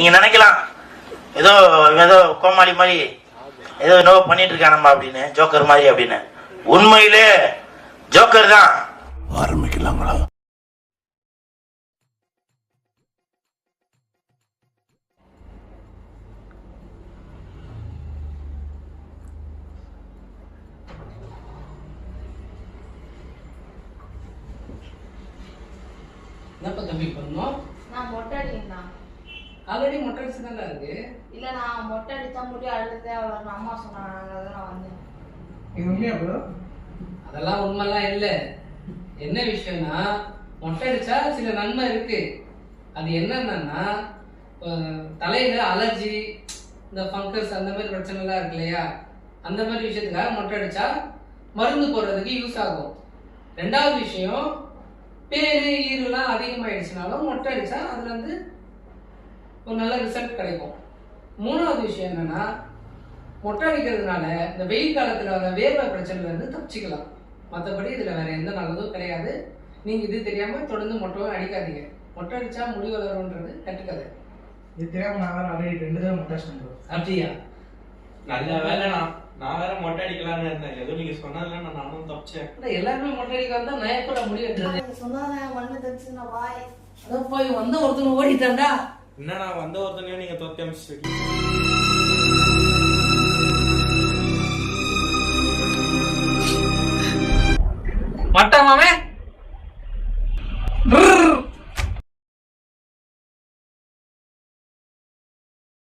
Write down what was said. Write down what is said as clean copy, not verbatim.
நீங்க நினைக்கலாம் ஏதோ ஏதோ கோமாளி மாதிரி ஏதோ நோ பண்ணிட்டு இருக்கானம்மா அப்படின்னு, ஜோக்கர் மாதிரி அப்படின்னு. உண்மையிலே ஜோக்கர் தான். ஆரம்பிக்கலாங்களா? என்னப்பா தம்பி பண்ணோம்? நான் மொட்டை அடிக்கிறேன். ஆல்ரெடி மொட்டை அடிச்சு தான் இருக்கு. இல்ல நான் மொட்டை அடிச்சா முடி அழுதே அவ்வளவு அம்மா சொன்னாங்க, அதான் வந்தேன். இது உண்மையா ப்ரோ? அதெல்லாம் உண்மைலாம் இல்ல. என்ன விஷயம்னா மொட்டை அடிச்சா சில நன்மை இருக்கு. அது என்னன்னா தலையில அலர்ஜி, இந்த ஃபங்கஸ் அந்த மாதிரி பிரச்சனை எல்லாம் இருக்கு இல்லையா, அந்த மாதிரி விஷயத்துக்காக மொட்டை அடிச்சா மருந்து போடுறதுக்கு யூஸ் ஆகும். ரெண்டாவது விஷயம், பேரு ஈருலாம் அதிகமாயிடுச்சுனாலும் மொட்டை அடிச்சா அதுல இருந்து ஒரு நல்ல ரிசல்ட் கிடைக்கும். மூணாவது விஷயம் என்னன்னா, மொட்டை அடிக்கிறதுனால இந்த வெயில் காலத்துல வர வேர்வை பிரச்சனைல இருந்து தப்பிச்சுக்கலாம். மற்றபடி இதுல வேற எந்த நல்லதும் கிடையாது. நீங்க இது தெரியாம தொடர்ந்து மொட்டையும் அடிக்காதீங்க. மொட்டை அடிச்சா முடி வளரும்ன்றது கட்டுக்கதை. இது தெரியாம நான் வேற ஆல்ரெடி 2 தடவை மொட்டை அடிச்சேன். அப்படியா? நல்ல வேலை. நான் வேற மொட்டை அடிக்கலான்னு இருந்தேன். ஏதோ நீங்க சொன்னதுல நானும் தப்பிச்சேன். எல்லாருமே மொட்டை அடிக்க வந்தா நான் எப்பட முடி வெட்டுறது? சொன்னாங்க மண்ணு தச்சு நான் வாய் அதான் போய் வந்த ஒருத்தன் ஓடிட்டான்டா. என்னடா வந்த ஒருத்தனையும் நீங்க தொத்தி அமிச்சிட்டு மட்டமாமே